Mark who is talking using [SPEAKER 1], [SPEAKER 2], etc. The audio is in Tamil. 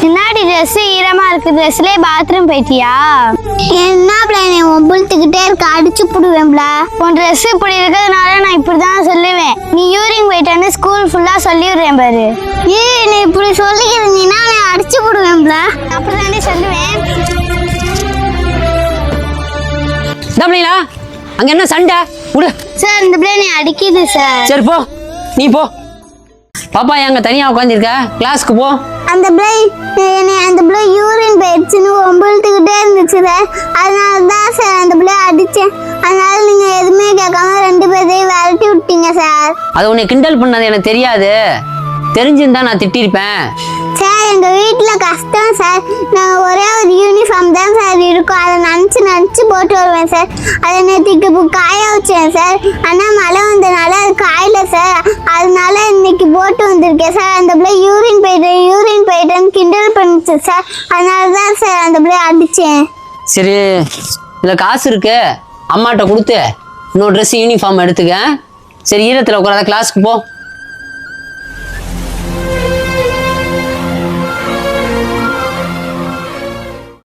[SPEAKER 1] முன்னாடி ட்ரெஸ் ஈரமா இருக்கு, ட்ரெஸ்லயே பாத்ரூம் போயிட்டியா?
[SPEAKER 2] என்ன பிளான் ஒம்புழுத்துக்கிட்டே இருக்க, அடிச்சு புடுவேன்ல.
[SPEAKER 1] உன் ட்ரெஸ் இப்படி இருக்கிறதுனால நான் இப்படிதான் சொல்லுவேன். நீ யூரின் போயிட்டான்னு ஸ்கூல் ஃபுல்லா சொல்லிடுறேன் பாரு.
[SPEAKER 2] நீ இப்படி சொல்லிக்கிறீங்கன்னா நான் அடிச்சு புடுவேன்ல.
[SPEAKER 1] அப்படிதானே சொல்லுவேன்.
[SPEAKER 3] அங்க என்ன சண்டை? விடு
[SPEAKER 1] சார், இந்த பிள்ளை நீ அடிக்குது சார்.
[SPEAKER 3] சரி போ, நீ போ. பாப்பா எங்க தனியா உட்காந்துருக்க? கிளாஸ்க்கு போ.
[SPEAKER 2] அந்த பிள்ளை யூரின் போயிடுச்சுன்னு ஒம்புழுத்துக்கிட்டே இருந்துச்சு சார். அதனால தான் சார் அந்த பிள்ளை அடிச்சேன். அதனால நீங்க எதுவுமே கேட்காம 2 பேரையும் விரட்டி விட்டீங்க சார்.
[SPEAKER 3] அது உன்னை கிண்டல் பண்ணது எனக்கு தெரியாது. தெரிஞ்சிருந்தா நான் திட்டிருப்பேன்
[SPEAKER 2] சார். எங்க வீட்டுல கஷ்டம் சார். நாங்க ஒரே ஒரு யூனிஃபார்ம் தான் சார் இருக்கும். அதை நினச்சி போட்டு வருவேன் சார். அதை நேற்றுக்கு இப்போ காய வச்சேன் சார். ஆனால் மழை வந்தனால அது காயல சார். அதனால இன்னைக்கு போட்டு வந்திருக்கேன் சார். அந்த பிள்ளை யூரின் போயிட்டேன்னு கிண்டல் பண்ணிச்சு சார். அதனால தான் சார் அந்த பிள்ளைய அடித்தேன்.
[SPEAKER 3] சரி, இதில் காசு இருக்கு, அம்மாட்ட கொடுத்து இன்னொரு ட்ரெஸ் யூனிஃபார்ம் எடுத்துக்க. சரி, ஈரத்தில் உட்காராத, கிளாஸ்க்கு போ.